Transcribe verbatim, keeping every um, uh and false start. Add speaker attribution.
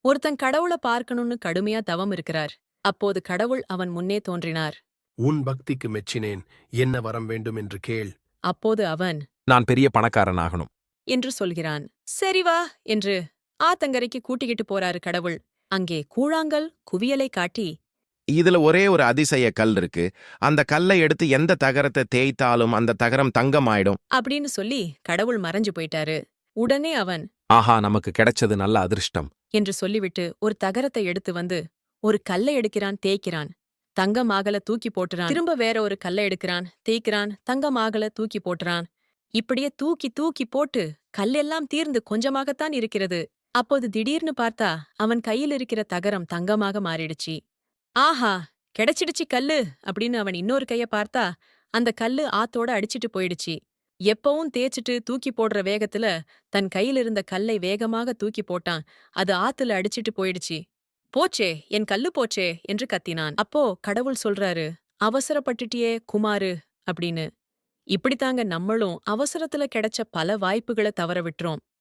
Speaker 1: ஒருத்தன் கடவுள பார்க்கணும்னு கடுமையா தவம் இருக்கிறார். அப்போது கடவுள் அவன் முன்னே தோன்றினார்.
Speaker 2: உன் பக்திக்கு மெச்சினேன். என்ன வரம் வேண்டும் என்று கேள்.
Speaker 1: அப்போது அவன்
Speaker 3: நான் பெரிய பணக்காரனாகணும்.
Speaker 1: என்று சொல்கிறான். சரி வா என்று ஆத்தங்கரைக்கு கூட்டிக்கிட்டு போறாரு கடவுள். அங்கே கூழாங்கல் குவியலை காட்டி,
Speaker 3: இதுல ஒரே ஒரு அதிசய கல் இருக்கு. அந்த கல்லை எடுத்து எந்த தகரத்தை தேய்த்தாலும் அந்த தகரம் தங்கமாயிடும்.
Speaker 1: அப்படின்னு சொல்லி கடவுள் மறைஞ்சு போயிட்டாரு. உடனே அவன்
Speaker 3: ஆஹா, நமக்கு கிடைச்சது நல்ல அதிர்ஷ்டம்.
Speaker 1: என்று சொல்லிவிட்டு ஒரு தகரத்தை எடுத்து வந்து ஒரு கல்லை எடுக்கிறான், தேய்க்கிறான், தங்கமாகல தூக்கி போட்டுறான். திரும்ப வேற ஒரு கல்லை எடுக்கிறான், தேய்க்கிறான், தங்கமாகல தூக்கி போட்டுறான். இப்படியே தூக்கி தூக்கி போட்டு கல்லெல்லாம் தீர்ந்து கொஞ்சமாகத்தான் இருக்கிறது. அப்போது திடீர்னு பார்த்தா அவன் கையில் இருக்கிற தகரம் தங்கமாக மாறிடுச்சு. ஆஹா, கிடைச்சிடுச்சு கல்லு அப்படின்னு அவன் இன்னொரு கைய பார்த்தா அந்த கல்லு ஆத்தோட அடிச்சிட்டு போயிடுச்சு. எப்பவும் தேய்ச்சிட்டு தூக்கி போடுற வேகத்துல தன் கையில் இருந்த கல்லை வேகமாக தூக்கி போட்டான். அது ஆத்துல அடிச்சிட்டு போயிடுச்சு. போச்சே, என் கல்லு போச்சே என்று கத்தினான். அப்போ கடவுள் சொல்றாரு, அவசரப்பட்டுட்டியே குமாரு அப்படின்னு. இப்படித்தாங்க நம்மளும் அவசரத்துல கிடைச்ச பல வாய்ப்புகளை தவற விட்டுறோம்.